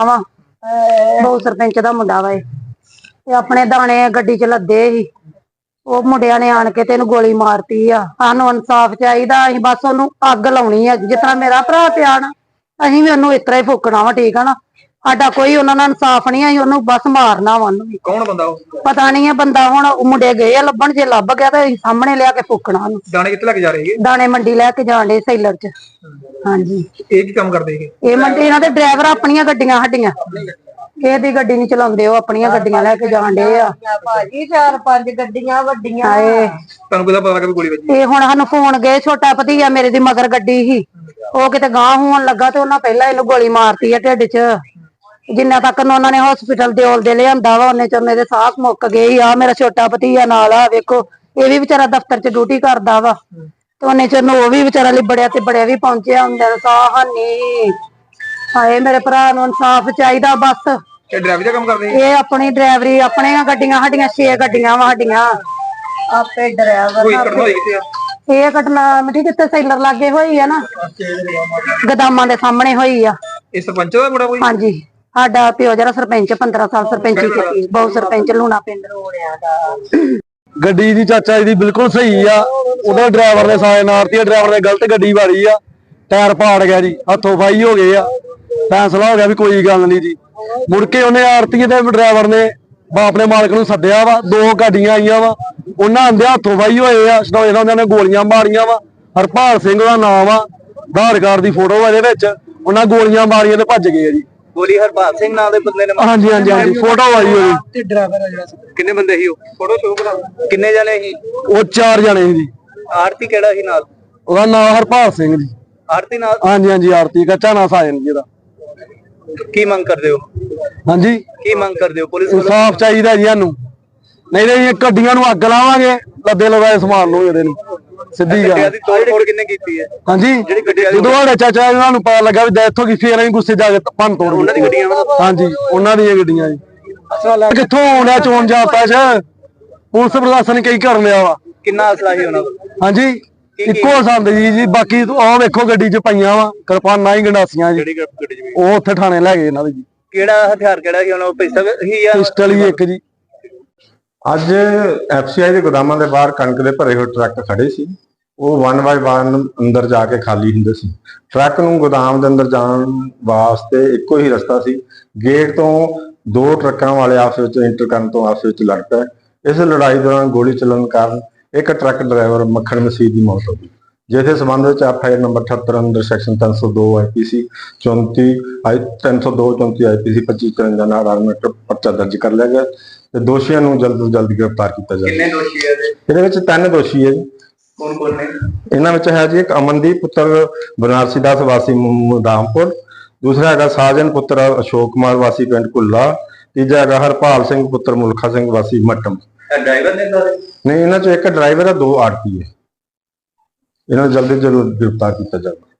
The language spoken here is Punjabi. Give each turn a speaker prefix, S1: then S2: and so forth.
S1: ਵਾ ਬਹੁ ਸਰਪੰਚ ਦਾ ਮੁੰਡਾ ਵਾ ਤੇ ਆਪਣੇ ਦਾਣੇ ਗੱਡੀ ਚ ਲੱਦੇ ਸੀ। ਉਹ ਮੁੰਡਿਆਂ ਨੇ ਆਣ ਕੇ ਤੈਨੂੰ ਗੋਲੀ ਮਾਰਤੀ ਆ। ਸਾਨੂੰ ਇਨਸਾਫ ਚਾਹੀਦਾ। ਅਸੀਂ ਬਸ ਉਹਨੂੰ ਅੱਗ ਲਾਉਣੀ ਆ। ਜਿਸ ਤਰ੍ਹਾਂ ਮੇਰਾ ਭਰਾ ਪਿਆ ਨਾ, ਅਸੀਂ ਵੀ ਉਹਨੂੰ ਇਸ ਤਰ੍ਹਾਂ ਹੀ ਫੂਕਣਾ ਵਾ। ਠੀਕ ਆ ਨਾ, ਸਾਡਾ ਕੋਈ ਉਹਨਾਂ ਨਾਲ ਇਨਸਾਫ ਨਹੀਂ। ਅਸੀਂ ਉਹਨੂੰ ਬਸ ਮਾਰਨਾ ਵਾ। ਉਹਨੂੰ
S2: ਕੌਣ ਬੰਦਾ ਉਹ?
S1: ਪਤਾ ਨਹੀਂ ਹੈ ਬੰਦਾ। ਹੁਣ ਮੁੰਡੇ ਗਏ ਆ ਲੱਭਣ, ਜੇ ਲੱਭ ਗਿਆ ਤਾਂ ਅਸੀਂ ਸਾਹਮਣੇ ਲਿਆ ਕੇ ਫੂਕਣਾ ਉਹਨੂੰ।
S2: ਦਾਣੇ ਕਿੱਥੇ ਲੈ ਕੇ ਜਾ ਰਹੇ ਸੀ?
S1: ਦਾਣੇ ਮੰਡੀ ਲੈ ਕੇ ਜਾਣ ਡੇ ਸੈਲਰ ਚ। ਹਾਂਜੀ।
S2: ਇਹ ਕੀ ਕੰਮ ਕਰਦੇ ਸੀ?
S1: ਇਹ ਮੰਡੀ ਇਹਨਾਂ ਦੇ ਡਰਾਈਵਰ ਆਪਣੀਆਂ ਗੱਡੀਆਂ ਸਾਡੀਆਂ, ਇਹਦੀ ਗੱਡੀ ਨਹੀਂ ਚਲਾਉਂਦੇ। ਉਹ ਆਪਣੀਆਂ ਗੱਡੀਆਂ ਲੈ ਕੇ ਜਾਣ ਡੇ ਆ
S3: ਭਾਜੀ। 4-5 ਗੱਡੀਆਂ ਵੱਡੀਆਂ।
S2: ਤੁਹਾਨੂੰ ਕਿਹਦਾ ਪਤਾ ਲੱਗਾ ਵੀ ਗੋਲੀ ਵੱਜੀ?
S1: ਇਹ ਹੁਣ ਸਾਨੂੰ ਫੋਨ ਗਏ, ਛੋਟਾ ਭਤੀਆ ਮੇਰੇ ਦੀ ਮਗਰ ਗੱਡੀ ਸੀ, ਉਹ ਕਿਤੇ ਗਾਂਹ ਹੋਣ ਲੱਗਾ ਤੇ ਉਹਨਾਂ ਪਹਿਲਾਂ ਇਹਨੂੰ ਗੋਲੀ ਮਾਰਤੀ ਆ ਢਿੱਡ ਚ। ਜਿੰਨਾ ਤੱਕ ਉਹਨਾਂ ਨੇ ਹਸਪੀਟਲ ਦੇ ਲਿਆਂਦਾ ਵਾ, ਉਹਨੇ ਚ ਮੇਰੇ ਸਾਹ ਮੁੱਕ ਗਏ ਆ। ਮੇਰਾ ਛੋਟਾ ਭਤੀਆ ਨਾਲ ਆ, ਵੇਖੋ ਇਹ ਵੀ ਵਿਚਾਰਾ ਦਫ਼ਤਰ ਚ ਡਿਊਟੀ ਕਰਦਾ ਵਾ ਤੇ ਉਹਨੇ ਚ ਉਹ ਵੀ ਵਿਚਾਰਾ ਲਿਬੜਿਆ ਤੇ ਬੜਿਆ ਵੀ ਪਹੁੰਚਿਆ ਹੁੰਦਾ। ਸਾਹ ਹਾਨੀ। ਹਾਏ ਮੇਰੇ ਭਰਾ ਨੂੰ ਇਨਸਾਫ ਚਾਹੀਦਾ ਬਸ।
S2: ਇਹ ਡਰਾਈਵਰ ਦਾ ਕੰਮ ਕਰਦੇ ਸੀ?
S1: ਇਹ ਆਪਣੀ ਡਰਾਈਵਰੀ, ਆਪਣੀਆਂ ਗੱਡੀਆਂ ਸਾਡੀਆਂ 6 ਗੱਡੀਆਂ ਵਾ ਸਾਡੀਆਂ।
S3: ਆਪੇ ਡਰਾਈਵਰ।
S2: ਕੋਈ ਘਟਨਾ ਹੋਈ ਕਿੱਥੇ ਆ?
S1: ਇਹ ਘਟਨਾ ਮਿੱਠੀ ਕਿੱਥੇ ਸੈਲਰ ਲਾਗੇ ਹੋਈ ਆ ਨਾ, ਗਦਾਮਾਂ ਦੇ ਸਾਹਮਣੇ ਹੋਈ ਆ।
S2: ਇਹ ਸਰਪੰਚ ਦਾ ਮੁੰਡਾ ਕੋਈ?
S1: ਹਾਂਜੀ, ਸਾਡਾ ਪਿਓ ਜਿਹੜਾ ਸਰਪੰਚ 15 ਸਾਲ ਸਰਪੰਚੀ ਕੀਤੀ, ਬਹੁ ਸਰਪੰਚ ਲੂਣਾ ਪਿੰਡ ਰੋੜਿਆ ਦਾ।
S4: ਗੱਡੀ ਦੀ ਚਾਚਾ ਜੀ ਦੀ ਬਿਲਕੁਲ ਸਹੀ ਆ। ਉਹਦਾ ਡਰਾਈਵਰ ਨੇ ਸਾਇਨ ਮਾਰਤੀ, ਡਰਾਈਵਰ ਨੇ ਗਲਤ ਗੱਡੀ ਵਾਰੀ ਆ, ਟਾਇਰ ਪਾੜ ਗਿਆ ਜੀ, ਹੱਥੋਂ ਫਾਈ ਹੋ ਗਏ ਆ। ਫੈਸਲਾ ਹੋ ਗਿਆ ਵੀ ਕੋਈ ਗੱਲ ਨਹੀਂ ਜੀ। ਮੁੜ ਕੇ ਉਹਨੇ ਆਰਤੀ ਦੇ ਡਰਾਈਵਰ ਨੇ ਆਪਣੇ ਮਾਲਕ ਨੂੰ ਸੱਦਿਆ ਵਾ। 2 ਗੱਡੀਆਂ ਆਈਆਂ ਵਾ, ਉਹਨਾਂ ਆਂਦੇ ਹੱਥੋਂ ਫਾਈ ਹੋਏ ਆ। ਸਟੋਏ ਨਾਲ ਉਹਨਾਂ ਨੇ ਗੋਲੀਆਂ ਮਾਰੀਆਂ ਵਾ। ਹਰਪਾਲ ਸਿੰਘ ਦਾ ਨਾਮ ਆ, ਆਧਾਰ ਕਾਰਡ ਦੀ ਫੋਟੋ ਇਹਦੇ ਵਿੱਚ। ਉਹਨਾਂ ਗੋਲੀਆਂ ਮਾਰੀਆਂ ਤੇ ਭੱਜ ਗਏ ਆ ਜੀ।
S2: ਗੋਲੀ ਹਰਪਾਲ ਸਿੰਘ ਨਾਂ ਦੇ ਬੰਦੇ ਨੇ?
S4: ਹਾਂਜੀ ਹਾਂਜੀ ਹਾਂਜੀ, ਫੋਟੋ ਆਈ ਹੋਈ।
S2: ਤੇ ਡਰਾਈਵਰ ਆ ਜਿਹੜਾ, ਕਿੰਨੇ ਬੰਦੇ ਸੀ ਉਹ? ਫੋਟੋ ਸ਼ੋਅ ਕਰਾ। ਕਿੰਨੇ ਜਣੇ ਸੀ
S4: ਉਹ? 4 ਜਣੇ ਸੀ ਜੀ।
S2: ਆਰਤੀ ਕਿਹੜਾ ਸੀ ਨਾਲ?
S4: ਉਹਦਾ ਨਾਮ ਹਰਪਾਲ ਸਿੰਘ ਜੀ।
S2: ਆਰਤੀ ਨਾਲ?
S4: ਹਾਂਜੀ ਹਾਂਜੀ, ਆਰਤੀ ਕੱਚਾ ਨਾ ਸਾਜਨ ਜੀ ਦਾ।
S2: ਕੀ ਮੰਗ ਕਰਦੇ ਹੋ? ਹਾਂਜੀ, ਕੀ ਮੰਗ ਕਰਦੇ ਹੋ? ਪੁਲਿਸ
S4: ਇਨਸਾਫ ਚਾਹੀਦਾ ਜੀ ਸਾਨੂੰ, ਨਹੀਂ ਤਾਂ ਇਹ ਗੱਡੀਆਂ ਨੂੰ ਅੱਗ ਲਾਵਾਂਗੇ। ਲੱਦੇ ਲਗਾਏ ਸਮਾਨ ਨੂੰ ਇਹਦੇ ਨੂੰ ਸਿੱਧੀ ਗੱਲ।
S2: ਦੀ ਤੋੜ ਕਿੰਨੇ ਕੀਤੀ ਹੈ?
S4: ਹਾਂਜੀ, ਜਦੋਂ ਸਾਡੇ ਚਾਚਾ ਇਹਨਾਂ ਨੂੰ ਪਤਾ ਲੱਗਾ ਵੀ ਡੈਥ ਹੋ ਗਈ, ਫੇਰ ਅਸੀਂ ਗੁੱਸੇ ਜਾ ਕੇ ਭੰਨ ਤੋੜ।
S2: ਉਹਨਾਂ ਦੀ ਗੱਡੀਆਂ?
S4: ਹਾਂਜੀ, ਉਹਨਾਂ ਦੀਆਂ ਗੱਡੀਆਂ ਜੀ। ਕਿੱਥੋਂ ਆਉਂਦਾ ਚੋਣ ਜਾਪਦਾ ਚ? ਪੁਲਿਸ ਪ੍ਰਸ਼ਾਸਨ ਕਈ ਕਰ ਲਿਆ ਵਾ।
S2: ਕਿੰਨਾ ਅਸਲਾ ਸੀ ਉਹਨਾਂ ਕੋਲ?
S4: ਹਾਂਜੀ, ਇੱਕੋ ਸੰਦ ਜੀ। ਬਾਕੀ ਆਹ ਵੇਖੋ ਗੱਡੀ ਚ ਪਈਆਂ ਵਾ ਕਿਰਪਾਨਾਂ ਹੀ, ਗੰਡਾਸੀਆਂ ਜੀ। ਉਹ ਉੱਥੇ ਥਾਣੇ ਲੈ ਗਏ ਇਹਨਾਂ ਦੇ ਜੀ।
S2: ਕਿਹੜਾ ਹਥਿਆਰ ਕਿਹੜਾ ਸੀ ਉਹਨਾਂ ਕੋਲ? ਪਿਸਤਲ ਹੀ ਆ?
S4: ਪਿਸਟਲ ਹੀ ਇੱਕ ਜੀ।
S5: ਅੱਜ ਐਫਸੀਆਈ ਦੇ ਗੋਦਾਮਾਂ ਦੇ ਬਾਹਰ ਕਣਕ ਦੇ ਭਰੇ ਹੋਏ ਟਰੱਕ ਖੜੇ ਸੀ। ਉਹ 1 ਬਾਈ 1 ਅੰਦਰ ਜਾ ਕੇ ਖਾਲੀ ਹੁੰਦੇ ਸੀ। ਟਰੱਕ ਨੂੰ ਗੋਦਾਮ ਦੇ ਅੰਦਰ ਜਾਣ ਵਾਸਤੇ ਇੱਕੋ ਹੀ ਰਸਤਾ ਸੀ। ਗੇਟ ਤੋਂ 2 ਟਰੱਕਾਂ ਵਾਲੇ ਆਪਸ ਵਿੱਚ ਇੰਟਰ ਕਰਨ ਤੋਂ ਆਪਸ ਵਿੱਚ ਲੜ ਪਏ। ਇਸ ਲੜਾਈ ਦੌਰਾਨ ਗੋਲੀ ਚੱਲਣ ਕਾਰਨ ਇੱਕ ਟਰੱਕ ਡਰਾਈਵਰ ਮੱਖਣ ਮਸੀਹ ਦੀ ਮੌਤ ਹੋ ਗਈ, ਜਿਸ ਦੇ ਸੰਬੰਧ ਵਿੱਚ ਐਫਆਈਆਰ ਨੰਬਰ 78 ਅੰਦਰ ਸੈਕਸ਼ਨ 302 ਆਈਪੀਸੀ 34 302 34 ਆਈਪੀਸੀ 2553 ਨਾਲ ਆਰਮੇਟ ਪਰਚਾ ਦਰਜ ਕਰ ਲਿਆ ਗਿਆ ਤੇ ਦੋਸ਼ੀਆਂ ਨੂੰ ਜਲਦ ਤੋਂ ਜਲਦ ਗ੍ਰਿਫਤਾਰ ਕੀਤਾ ਜਾਵੇ।
S2: ਕਿੰਨੇ ਦੋਸ਼ੀ ਹੈ
S5: ਇਹਦੇ ਵਿੱਚ 3 ਦੋਸ਼ੀ ਹੈ ਜੀ।
S2: ਕੌਣ ਕੌਣ ਨੇ?
S5: ਇਹਨਾਂ ਵਿੱਚ ਹੈ ਜੀ ਇੱਕ ਅਮਨਦੀਪ ਪੁੱਤਰ ਬਨਾਰਸੀ ਦਾਸ ਵਾਸੀ ਮੁਦਾਮਪੁਰ, ਦੂਸਰਾ ਹੈਗਾ ਸਾਜਨ ਪੁੱਤਰ ਅਸ਼ੋਕ ਕੁਮਾਰ ਵਾਸੀ ਪਿੰਡ ਕੁੱਲਾ, ਤੀਜਾ ਹੈਗਾ ਹਰਪਾਲ ਸਿੰਘ ਪੁੱਤਰ ਮੁਲਖਾ ਸਿੰਘ ਵਾਸੀ ਮੱਟਮ।
S2: ਡਰਾਈਵਰ ਨੇ ਸਾਰੇ?
S5: ਨਹੀਂ, ਇਹਨਾਂ ਚੋਂ ਇੱਕ ਡਰਾਈਵਰ ਹੈ, 2 ਆਰਪੀ ਹੈ। ਇਹਨਾਂ ਨੂੰ ਜਲਦੀ ਤੋਂ ਜਲਦ ਗ੍ਰਿਫਤਾਰ ਕੀਤਾ ਜਾਵੇ।